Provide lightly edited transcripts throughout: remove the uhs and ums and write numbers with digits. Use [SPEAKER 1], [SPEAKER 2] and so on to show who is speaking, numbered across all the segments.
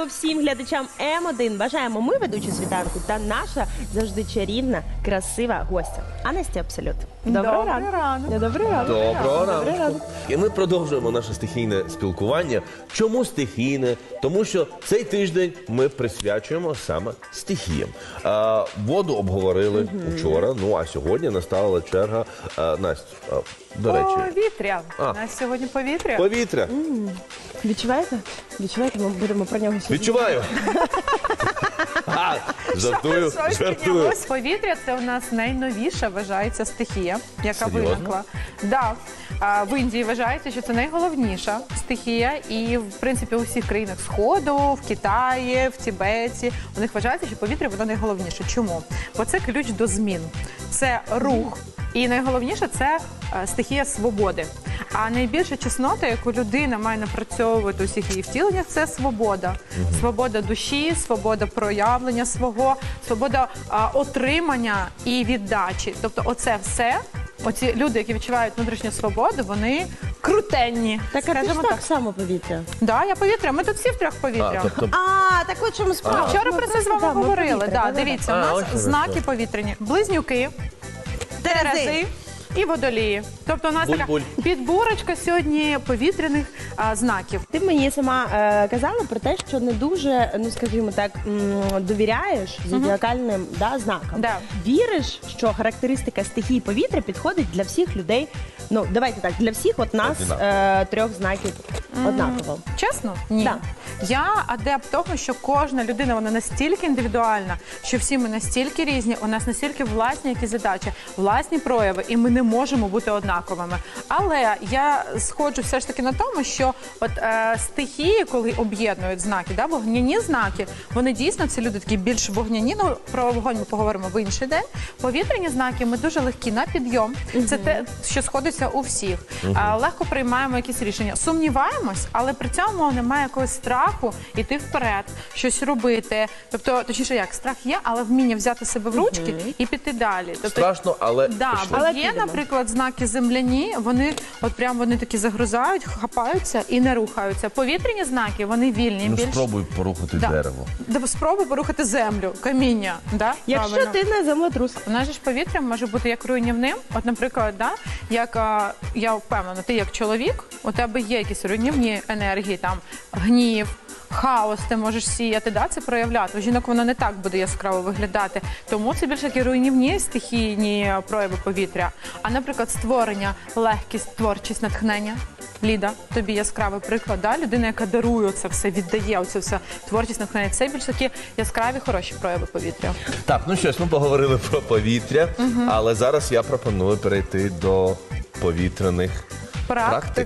[SPEAKER 1] ранку всім глядачам М1. Бажаємо ми, ведучі світанку, та наша завжди чарівна, красива гостя. Анесті Абсолют. Доброго ранку.
[SPEAKER 2] Доброго ранку. І ми продовжуємо наше стихійне спілкування. Чому стихійне? Тому що цей тиждень ми присвячуємо саме стихіям. Воду обговорили вчора, ну а сьогодні настала черга Настю. До речі.
[SPEAKER 3] Повітря. У нас сьогодні повітря.
[SPEAKER 2] Повітря.
[SPEAKER 1] Відчуваєте? Відчуваєте? Ми будемо про нього сьогодні.
[SPEAKER 2] Відчуваю. Жартую.
[SPEAKER 3] Ось повітря – це у нас найновіша, вважається, стихія, яка
[SPEAKER 2] Серйозно?
[SPEAKER 3] виникла. Да. В Індії вважається, що це найголовніша стихія. І, в принципі, у всіх країнах Сходу, в Китаї, в Тібеті, у них вважається, що повітря – воно найголовніше. Чому? Бо це ключ до змін. Це рух. І найголовніше – це стихія свободи. А найбільша чеснота, яку людина має напрацьовувати у всіх її втіленнях, це свобода. Свобода душі, свобода проявлення свого, свобода отримання і віддачі. Тобто оце все, оці люди, які відчувають внутрішню свободу, вони крутенні.
[SPEAKER 1] Так, а ти ж так само повітря.
[SPEAKER 3] Да, я повітря. Ми тут всі втрьох повітря.
[SPEAKER 1] Так от чому справа.
[SPEAKER 3] Вчора про це з вами говорили. Да, дивіться, у нас
[SPEAKER 2] ось
[SPEAKER 3] знаки повітряні. Близнюки, Терези і водолії. Тобто у нас така
[SPEAKER 2] Буль-буль.
[SPEAKER 3] підборочка сьогодні повітряних знаків.
[SPEAKER 1] Ти мені сама казала про те, що не дуже, ну скажімо так, довіряєш зодіакальним знакам.
[SPEAKER 3] Да.
[SPEAKER 1] Віриш, що характеристика стихії повітря підходить для всіх людей, ну давайте так, для всіх от нас трьох знаків однаково.
[SPEAKER 3] Чесно? Ні.
[SPEAKER 1] Да.
[SPEAKER 3] Я адепт того, що кожна людина, вона настільки індивідуальна, що всі ми настільки різні, у нас настільки власні якісь задачі, власні прояви, і ми не можемо бути однаковими. Але я сходжу все ж таки на тому, що от стихії, коли об'єднують знаки, вогняні знаки, вони дійсно, це люди такі більш вогняні, ну про вогонь ми поговоримо в інший день. Повітряні знаки, ми дуже легкі на підйом, це те, що сходиться у всіх. Легко приймаємо якісь рішення. Сумніваємось, але при цьому немає якогось страху йти вперед, щось робити. Тобто, точніше як, страх є, але вміння взяти себе в ручки і піти далі. Тобто,
[SPEAKER 2] Страшно, але
[SPEAKER 3] да, бо
[SPEAKER 1] Але
[SPEAKER 3] є,
[SPEAKER 1] підемо.
[SPEAKER 3] наприклад, знаки земляні, вони от прям вони такі загрузають, хапаються і не рухаються. Повітряні знаки, вони вільні.
[SPEAKER 2] ну,
[SPEAKER 3] більш...
[SPEAKER 2] спробуй порухати дерево.
[SPEAKER 3] Спробуй порухати землю, каміння. Да?
[SPEAKER 1] Якщо
[SPEAKER 3] Правильно.
[SPEAKER 1] ти не землетрус.
[SPEAKER 3] У нас же ж повітря може бути як руйнівним. От, наприклад, як я впевнена, ти як чоловік, у тебе є якісь руйнівні енергії, там гнів, хаос ти можеш сіяти, це проявляти. У жінок воно не так буде яскраво виглядати. Тому це більше такі руйнівні стихійні прояви повітря. А, наприклад, створення, легкість, творчість, натхнення. Ліда, тобі яскравий приклад, людина, яка дарує це все, віддає оце все, творчість, натхнення. Це більш такі яскраві, хороші прояви повітря.
[SPEAKER 2] Так, ну що ж, ми поговорили про повітря, але зараз я пропоную перейти до повітряних практик.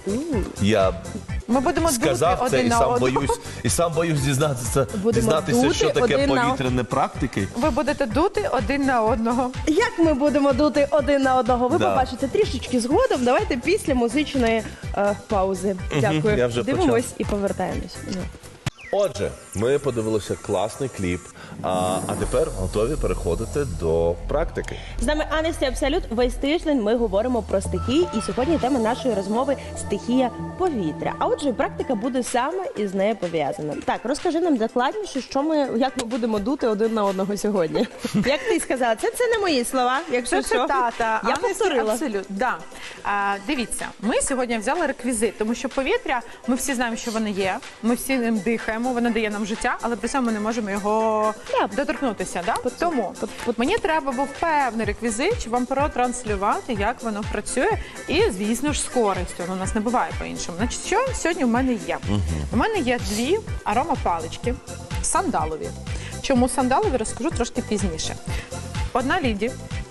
[SPEAKER 2] Я
[SPEAKER 3] Ми будемо
[SPEAKER 2] сказав
[SPEAKER 3] дути
[SPEAKER 2] це
[SPEAKER 3] один
[SPEAKER 2] і
[SPEAKER 3] на
[SPEAKER 2] сам
[SPEAKER 3] одного.
[SPEAKER 2] боюсь дізнатися,
[SPEAKER 1] Будемо
[SPEAKER 2] що
[SPEAKER 1] дути
[SPEAKER 2] таке
[SPEAKER 1] один на-
[SPEAKER 2] повітряні практики.
[SPEAKER 3] Ви будете дути один на одного.
[SPEAKER 1] Як ми будемо дути один на одного, ви
[SPEAKER 2] Да.
[SPEAKER 1] побачите трішечки згодом. Давайте після музичної паузи. Дякую.
[SPEAKER 2] я вже
[SPEAKER 1] Дивимось і повертаємось.
[SPEAKER 2] Отже, ми подивилися класний кліп, а тепер готові переходити до практики.
[SPEAKER 1] З нами Анесті Абсолют. Весь тиждень ми говоримо про стихії, і сьогодні тема нашої розмови – стихія повітря. А отже, практика буде саме із нею пов'язана. Так, розкажи нам докладніше, як ми будемо дути один на одного сьогодні. Як ти сказала, це не мої слова, якщо
[SPEAKER 3] Це
[SPEAKER 1] що.
[SPEAKER 3] цитата.
[SPEAKER 1] Я повторила.
[SPEAKER 3] Абсолютно. Да. Дивіться, ми сьогодні взяли реквізит, тому що повітря, ми всі знаємо, що воно є, ми всі ним дихаємо, воно дає нам життя, але при цьому ми не можемо його доторкнутися. Да? Тому мені треба був певний реквізит, щоб вам протранслювати, як воно працює, і, звісно ж, з користю. У нас не буває по-іншому. Значить, що сьогодні в мене є? У мене є дві аромапалички сандалові. Чому сандалові, розкажу трошки пізніше. Одна Ліді,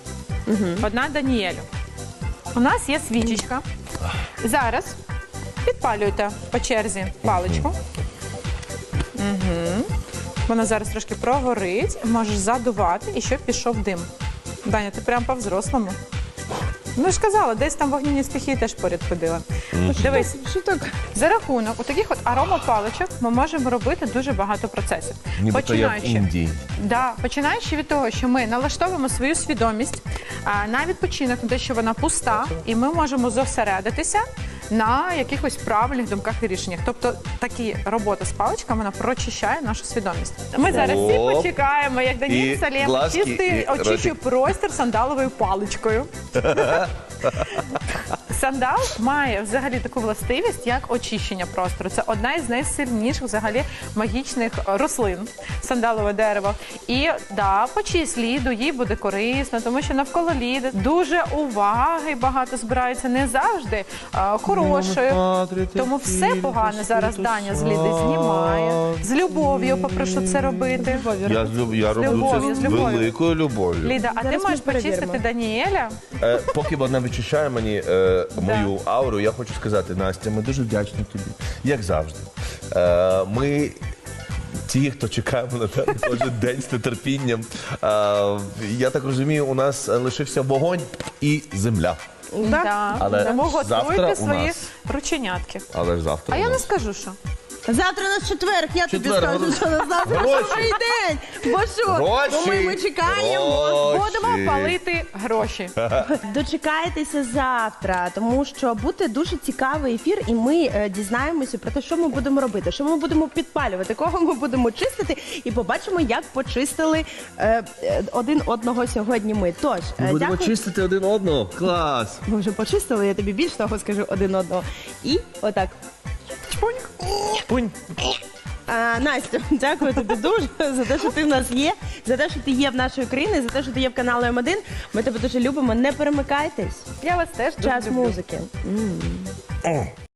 [SPEAKER 3] одна Даніелю. У нас є свічечка. Зараз підпалюєте по черзі паличку. Вона зараз трошки прогорить, можеш задувати, і щоб пішов дим. Даня, ти прям по-взрослому. Ну, ж казала, десь там вогняні стихії теж поряд ходила. Дивись,
[SPEAKER 1] Що так?
[SPEAKER 3] за рахунок таких от аромапаличок ми можемо робити дуже багато процесів.
[SPEAKER 2] Нібито як в Індії.
[SPEAKER 3] Да, починаючи від того, що ми налаштовуємо свою свідомість на відпочинок, на те, що вона пуста, і ми можемо зосередитися на якихось правильних думках і рішеннях. Тобто такі робота з паличками, вона прочищає нашу свідомість. Ми зараз всі
[SPEAKER 2] Оп.
[SPEAKER 3] почекаємо, як Даніель
[SPEAKER 2] І
[SPEAKER 3] Салєм
[SPEAKER 2] глазки, і
[SPEAKER 3] очищує
[SPEAKER 2] ротик.
[SPEAKER 3] простір сандаловою паличкою. Сандал має взагалі таку властивість, як очищення простору. Це одна із найсильніших взагалі магічних рослин, сандалове дерево. І да, почисть ліду їй буде корисно, тому що навколо ліди дуже уваги багато збирається, не завжди хорошої. Тому все погане зараз Даня з ліди знімає. З любов'ю попрошу це робити.
[SPEAKER 2] Я роблю
[SPEAKER 3] любов'ю,
[SPEAKER 2] це
[SPEAKER 3] з
[SPEAKER 2] з
[SPEAKER 3] любов'ю.
[SPEAKER 2] великою любов'ю.
[SPEAKER 3] Ліда, а ти
[SPEAKER 1] Зараз ми
[SPEAKER 3] можеш почистити
[SPEAKER 1] перевіримо.
[SPEAKER 3] Даніеля?
[SPEAKER 2] Поки вона вичищає мені мою ауру, я хочу сказати, Настя, ми дуже вдячні тобі, як завжди. Ми ті, хто чекаємо на тебе кожен день з нетерпінням. Я так розумію, у нас лишився вогонь і земля.
[SPEAKER 3] Так.
[SPEAKER 2] Але
[SPEAKER 3] Тому
[SPEAKER 2] завтра
[SPEAKER 3] готуйте
[SPEAKER 2] у
[SPEAKER 3] свої
[SPEAKER 2] нас.
[SPEAKER 3] рученятки.
[SPEAKER 2] Але ж завтра
[SPEAKER 3] А
[SPEAKER 2] у
[SPEAKER 3] я не
[SPEAKER 2] нас.
[SPEAKER 3] скажу, що.
[SPEAKER 1] Завтра у нас четверг, я тобі
[SPEAKER 2] Четверг,
[SPEAKER 1] скажу, що на завтра
[SPEAKER 2] гроші.
[SPEAKER 1] новий день. Бо що?
[SPEAKER 2] Гроші.
[SPEAKER 1] Бо ми чекаємо.
[SPEAKER 2] Гроші.
[SPEAKER 3] Будемо палити гроші.
[SPEAKER 1] Дочекайтеся завтра, тому що буде дуже цікавий ефір, і ми дізнаємося про те, що ми будемо робити, що ми будемо підпалювати, кого ми будемо чистити, і побачимо, як почистили один одного сьогодні ми. Тож, дякую.
[SPEAKER 2] чистити один одного. Клас!
[SPEAKER 1] Ми вже почистили, я тобі більш того скажу один одного. І отак.
[SPEAKER 2] Пунь.
[SPEAKER 1] Настя, дякую тобі дуже за те, що ти в нас є, за те, що ти є в нашій Україні, за те, що ти є в каналі М1. Ми тебе дуже любимо. Не перемикайтесь.
[SPEAKER 3] Я вас теж дуже
[SPEAKER 1] Час
[SPEAKER 3] люблю.
[SPEAKER 1] музики.